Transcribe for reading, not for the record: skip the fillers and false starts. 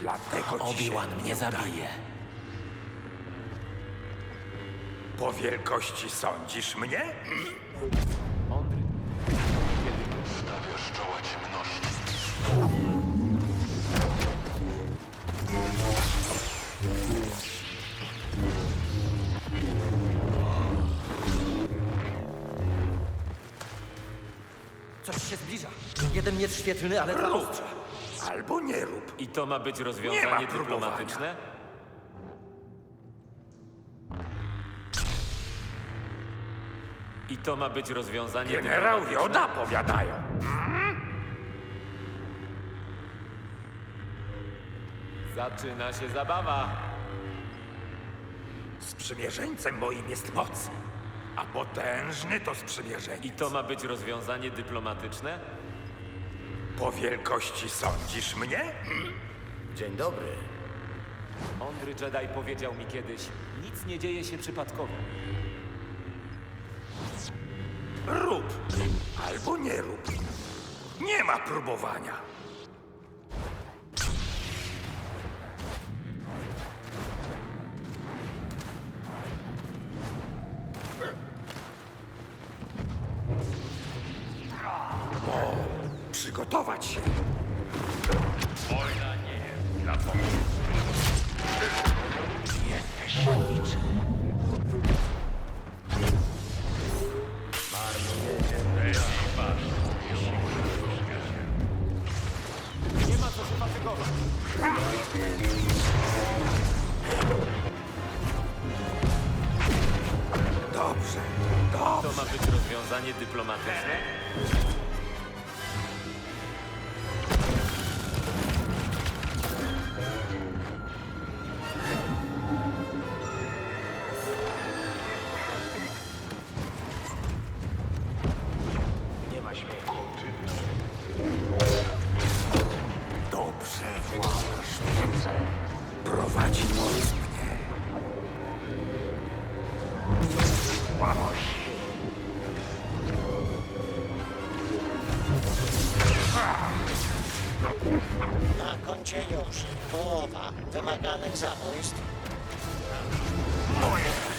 Dlatego ci Obi-Wan się mnie nie udaje. zabije. Po wielkości sądzisz mnie? Mądry. Stawiasz czoła ciemności. Coś się zbliża. Jeden miecz świetlny, ale dwa Rób! ostrza. Albo nie rób. I to ma być Nie rozwiązanie ma próbowania. dyplomatyczne? I to ma być rozwiązanie Generał dyplomatyczne? Joda powiadają. Zaczyna się zabawa. Sprzymierzeńcem moim jest moc, a potężny to sprzymierzeniec. I to ma być rozwiązanie dyplomatyczne? Po wielkości sądzisz mnie? Dzień dobry. Mądry Jedi powiedział mi kiedyś, nic nie dzieje się przypadkowo. Rób! Albo nie rób. Nie ma próbowania. Przygotować się. Wojna nie jest dla pomocy. Nie ma co się fatygować. Dobrze, To dobrze. ma być rozwiązanie dyplomatyczne? Nie ma śmiechu. Dobrze, władasz wiedzą. Prowadzi moc mnie. Łamoś. Na koncie już połowa wymaganych zabójstw. Moje